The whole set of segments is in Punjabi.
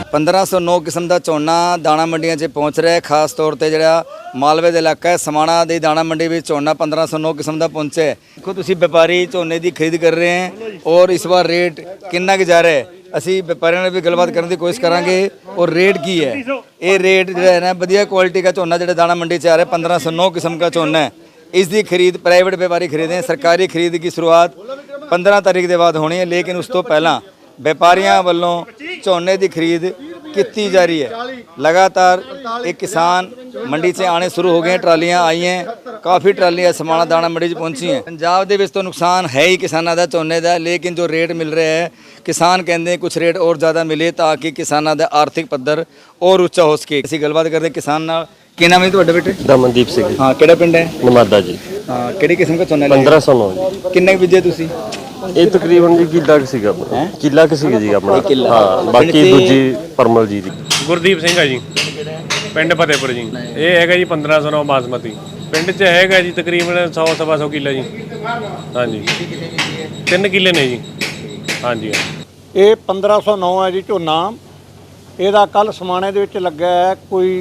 1509 किस्म का झोना दाणा मंडियां 'ਚ पहुँच रहा है। खास तौर पर जो मालवे का इलाका है समाणा की दाणा मंडी में झोना 1509 किस्म का पहुँचा है। देखो तुम व्यापारी झोने की खरीद कर रहे हैं और इस बार रेट कितना कि जा रहा है। असी व्यापारियों ने भी गलबात करने की कोशिश करांगे और रेट की है। ये रेट जो है ना वधिया क्वालिटी का झोना जो दाणा मंडी 'ਚ आ रहा है 1509 किस्म का झोना है। इसकी खरीद प्राइवेट व्यापारी खरीदें। सरकारी खरीद की शुरुआत 15 तारीख के बाद होनी है, लेकिन उस तो पहला व्यापारियों वालों झोने की खरीद की जा रही है। लगातार एक किसान मंडी से आने शुरू हो गए हैं, ट्रालियां आई हैं, काफ़ी ट्रालियां समाणा दाणा मंडी पहुंची हैं। पंजाब के तो नुकसान है ही किसानों का झोने का, लेकिन जो रेट मिल रहा है किसान कहते हैं कुछ रेट और ज़्यादा मिले ताकि किसानों का आर्थिक पद्धर और उच्चा हो सके। ਅਸੀਂ ਗੱਲਬਾਤ ਕਰਦੇ हैं किसान नाल। ਕੀ ਨਾਮ ਹੈ ਤੁਹਾਡਾ ਬੇਟੇ? ਦਮਨਦੀਪ ਸਿੰਘ। ਹਾਂ, ਕਿਹੜਾ ਪਿੰਡ ਹੈ? ਨਮਾਦਾ ਜੀ। ਹਾਂ, ਕਿਹੜੀ ਕਿਸਮ ਦਾ ਝੋਨਾ ਲਿਆ? 1509 ਕਿੰਨੇ ਕੁ ਬੀਜੇ ਤੁਸੀਂ? ਇਹ ਤਕਰੀਬਨ ਜੀ ਕਿੱਲਾ ਕੁ ਸੀਗਾ ਆਪਣਾ। ਕਿੱਲਾ ਕੁ ਸੀਗਾ ਜੀ ਆਪਣਾ। ਹਾਂ, ਬਾਕੀ ਦੂਜੀ ਪਰਮਲ ਜੀ ਦੀ। ਗੁਰਦੀਪ ਸਿੰਘ ਆ ਜੀ, ਪਿੰਡ ਫਤਿਹਪੁਰ ਜੀ। ਇਹ ਹੈਗਾ ਜੀ 1509 ਬਾਸਮਤੀ। ਪਿੰਡ 'ਚ ਹੈਗਾ ਜੀ ਤਕਰੀਬਨ 100 ਸਵਾ 100 ਕਿੱਲਾ ਜੀ। ਹਾਂਜੀ 3 ਕਿੱਲੇ ਨੇ ਜੀ। ਹਾਂਜੀ ਇਹ 1509 ਹੈ ਜੀ ਝੋਨਾ। ਇਹਦਾ ਕੱਲ ਸਮਾਣੇ ਦੇ ਵਿੱਚ ਲੱਗਾ ਹੈ ਕੋਈ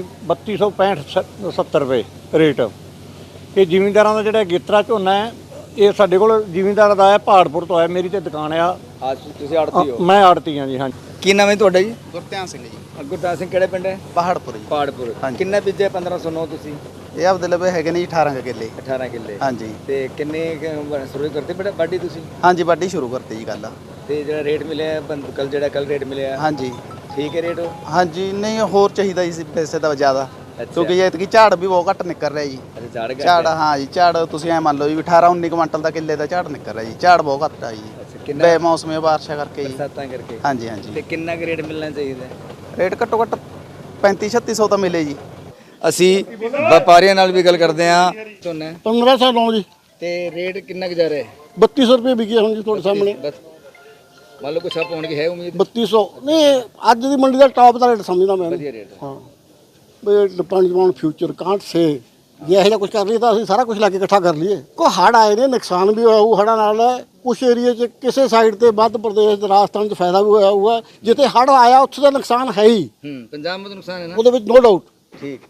3265-70 ਰੁਪਏ ਰੇਟ। ਇਹ ਜ਼ਿਮੀਂਦਾਰਾਂ ਦਾ ਜਿਹੜਾ ਗੇਤਰਾ ਝੋਨਾ ਹੈ ਇਹ ਸਾਡੇ ਕੋਲ ਜ਼ਿਮੀਂਦਾਰ ਦਾ ਹੈ, ਪਹਾੜਪੁਰ ਤੋਂ ਆਇਆ। ਮੇਰੀ ਤੇ ਦੁਕਾਨ ਆ। ਅੱਜ ਤੁਸੀਂ ਆੜਤੀ ਹੋ? ਮੈਂ ਆੜਤੀ ਹਾਂ ਜੀ। ਹਾਂਜੀ। ਕੀ ਨਾਮ ਹੈ ਤੁਹਾਡਾ ਜੀ? ਗੁਰਧਿਆਨ ਸਿੰਘ ਜੀ। ਗੁਰਦਾਸ ਸਿੰਘ, ਕਿਹੜੇ ਪਿੰਡ ਹੈ? ਪਹਾੜਪੁਰ ਜੀ। ਪਹਾੜਪੁਰ। ਕਿੰਨੇ ਬੀਜੇ 1509 ਤੁਸੀਂ? ਇਹ ਆਪਦੇ ਲਵੇ ਹੈਗੇ ਨੇ ਜੀ 18 ਕਿੱਲੇ। 18 ਕਿੱਲੇ। ਹਾਂਜੀ। ਤੇ ਕਿੰਨੇ ਸ਼ੁਰੂ ਕਰਤੇ ਬੇਟਾ ਵਾਢੀ ਤੁਸੀਂ? ਹਾਂਜੀ, ਵਾਢੀ ਸ਼ੁਰੂ ਕਰਤੀ ਜੀ ਕੱਲ। ਤੇ ਜਿਹੜਾ ਰੇਟ ਮਿਲਿਆ ਕੱਲ ਰੇਟ ਮਿਲਿਆ? ਹਾਂਜੀ ਠੀਕ ਹੈ ਰੇਟ? ਹਾਂਜੀ, ਨਹੀਂ ਹੋਰ ਚਾਹੀਦਾ ਜੀ ਪੈਸੇ ਤਾਂ ਜ਼ਿਆਦਾ, ਕਿਉਂਕਿ ਐਤਕੀ ਝਾੜ ਵੀ ਬਹੁਤ ਘੱਟ ਨਿਕਲ ਰਿਹਾ ਜੀ। ਅੱਛਾ, ਝਾੜ ਹਾਂ ਜੀ, ਝਾੜ ਤੁਸੀਂ ਐ ਮੰਨ ਲਓ ਜੀ 18-19 ਕੁਇੰਟਲ ਦਾ ਕਿੱਲੇ ਦਾ ਝਾੜ ਨਿਕਲ ਰਿਹਾ ਜੀ। ਝਾੜ ਬਹੁਤ ਘੱਟ ਆ ਜੀ ਬੇਮੌਸਮੀ ਬਾਰਿਸ਼ਾਂ ਕਰਕੇ ਜੀ। ਬਰਸਾਤਾਂ ਕਰਕੇ। ਹਾਂਜੀ ਹਾਂਜੀ। ਤੇ ਕਿੰਨਾ ਕੁ ਰੇਟ ਮਿਲਣਾ ਚਾਹੀਦਾ? ਰੇਟ ਘੱਟੋ ਘੱਟ 3500-3600 ਤਾਂ ਮਿਲੇ ਜੀ। ਅਸੀਂ ਵਪਾਰੀਆਂ ਨਾਲ ਵੀ ਗੱਲ ਕਰਦੇ ਹਾਂ। ਝੋਨਾ 1509 ਜੀ। ਤੇ ਰੇਟ ਕਿੰਨਾ ਕੁ ਜਾ ਰਿਹਾ ਹੈ? 3200 ਰੁਪਏ ਵਿਕਿਆ ਹੁਣ ਜੀ ਤੁਹਾਡੇ ਸਾਹਮਣੇ। ਮੰਨ ਲਓ ਕੁਛ ਆਪ ਹੋਣ ਦੀ ਹੈ ਉਮੀਦ? 3200 ਨਹੀਂ, ਅੱਜ ਦੀ ਮੰਡੀ ਦਾ ਟਾਪ ਦਾ ਰੇਟ ਸਮਝਦਾ ਮੈਂ। ਵਧੀਆ ਰੇਟ। ਹਾਂ ਬਈ depend on future can't say. ਜੇ ਇਹੋ ਜਿਹਾ ਕੁਝ ਕਰ ਲਈਏ ਤਾਂ ਅਸੀਂ ਸਾਰਾ ਕੁਝ ਲਾ ਕੇ ਇਕੱਠਾ ਕਰ ਲਈਏ। ਕੋ ਹੜ੍ਹ ਆਏ ਨੇ, ਨੁਕਸਾਨ ਵੀ ਹੋਇਆ ਹੋਊ ਹੜ੍ਹਾਂ ਨਾਲ। ਕੁਛ ਏਰੀਏ 'ਚ ਕਿਸੇ ਸਾਈਡ ਤੇ ਮੱਧ ਪ੍ਰਦੇਸ਼ ਰਾਜਸਥਾਨ 'ਚ ਫਾਇਦਾ ਵੀ ਹੋਇਆ ਹੋਊਗਾ। ਜਿੱਥੇ ਹੜ੍ਹ ਆਇਆ ਉੱਥੇ ਦਾ ਨੁਕਸਾਨ ਹੈ ਹੀ। ਪੰਜਾਬ ਵਿੱਚ ਨੁਕਸਾਨ ਹੈ ਨਾ, ਉਹਦੇ ਵਿੱਚ ਨੋ ਡਾਊਟ। ਠੀਕ।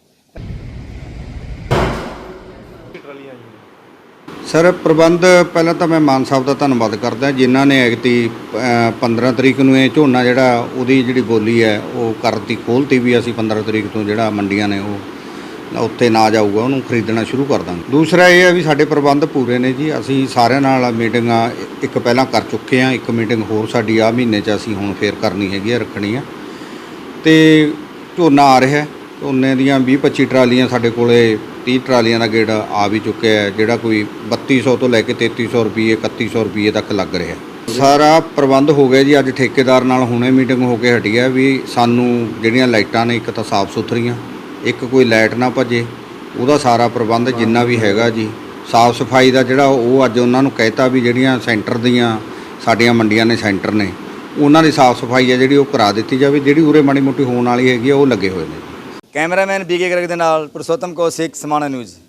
ਸਰ ਪ੍ਰਬੰਧ ਪਹਿਲਾਂ ਤਾਂ ਮੈਂ ਮਾਨ ਸਾਹਿਬ ਦਾ ਧੰਨਵਾਦ ਕਰਦਾ ਜਿਨ੍ਹਾਂ ਨੇ ਐਗਤੀ 15 ਤਰੀਕ ਨੂੰ ਇਹ ਝੋਨਾ ਜਿਹੜਾ ਉਹਦੀ ਜਿਹੜੀ ਬੋਲੀ ਹੈ ਉਹ ਕਰਤੀ ਖੋਲ੍ਹਤੀ ਵੀ ਅਸੀਂ 15 ਤਰੀਕ ਤੋਂ ਜਿਹੜਾ ਮੰਡੀਆਂ ਨੇ ਉਹ ਉੱਤੇ ਨਾ ਜਾਊਗਾ ਉਹਨੂੰ ਖਰੀਦਣਾ ਸ਼ੁਰੂ ਕਰ ਦਾਂਗੇ। ਦੂਸਰਾ ਇਹ ਹੈ ਵੀ ਸਾਡੇ ਪ੍ਰਬੰਧ ਪੂਰੇ ਨੇ ਜੀ। ਅਸੀਂ ਸਾਰਿਆਂ ਨਾਲ ਮੀਟਿੰਗਾਂ ਇੱਕ ਪਹਿਲਾਂ ਕਰ ਚੁੱਕੇ ਹਾਂ, ਇੱਕ ਮੀਟਿੰਗ ਹੋਰ ਸਾਡੀ ਆ ਮਹੀਨੇ 'ਚ ਅਸੀਂ ਹੁਣ ਫੇਰ ਕਰਨੀ ਹੈਗੀ ਆ, ਰੱਖਣੀ ਆ। ਤੇ ਝੋਨਾ ਆ ਰਿਹਾ, ਝੋਨੇ ਦੀਆਂ 20-25 ਟਰਾਲੀਆਂ ਸਾਡੇ ਕੋਲੇ 30 ਟਰਾਲੀਆਂ ਦਾ ਗੇੜ ਆ ਵੀ ਚੁੱਕਿਆ ਹੈ, ਜਿਹੜਾ ਕੋਈ 3200 ਤੋਂ ਲੈ ਕੇ 3300 ਰੁਪਏ 3100 ਰੁਪਏ ਤੱਕ ਲੱਗ ਰਿਹਾ। ਸਾਰਾ ਪ੍ਰਬੰਧ ਹੋ ਗਿਆ ਜੀ। ਅੱਜ ਠੇਕੇਦਾਰ ਨਾਲ ਹੁਣੇ ਮੀਟਿੰਗ ਹੋ ਕੇ ਹਟੀ ਹੈ ਵੀ ਸਾਨੂੰ ਜਿਹੜੀਆਂ ਲਾਈਟਾਂ ਨੇ ਇੱਕ ਤਾਂ ਸਾਫ਼ ਸੁਥਰੀਆਂ, ਇੱਕ ਕੋਈ ਲਾਈਟ ਨਾ ਭੱਜੇ, ਉਹਦਾ ਸਾਰਾ ਪ੍ਰਬੰਧ ਜਿੰਨਾ ਵੀ ਹੈਗਾ ਜੀ। ਸਾਫ਼ ਸਫਾਈ ਦਾ ਜਿਹੜਾ ਉਹ ਅੱਜ ਉਹਨਾਂ ਨੂੰ ਕਹਿਤਾ ਵੀ ਜਿਹੜੀਆਂ ਸੈਂਟਰ ਦੀਆਂ ਸਾਡੀਆਂ ਮੰਡੀਆਂ ਨੇ, ਸੈਂਟਰ ਨੇ, ਉਹਨਾਂ ਦੀ ਸਾਫ਼ ਸਫਾਈ ਹੈ ਜਿਹੜੀ ਉਹ ਕਰਾ ਦਿੱਤੀ ਜਾਵੇ। ਜਿਹੜੀ ਉਰੇ ਮਾੜੀ ਮੋਟੀ ਹੋਣ ਵਾਲੀ ਹੈਗੀ ਆ ਉਹ ਲੱਗੇ ਹੋਏ ਨੇ। ਕੈਮਰਾਮੈਨ BK ਗਰਗ ਦੇ ਨਾਲ ਪੁਰਸ਼ੋਤਮ ਕੌਸ਼ਿਕ, ਸਮਾਣਾ ਨਿਊਜ਼।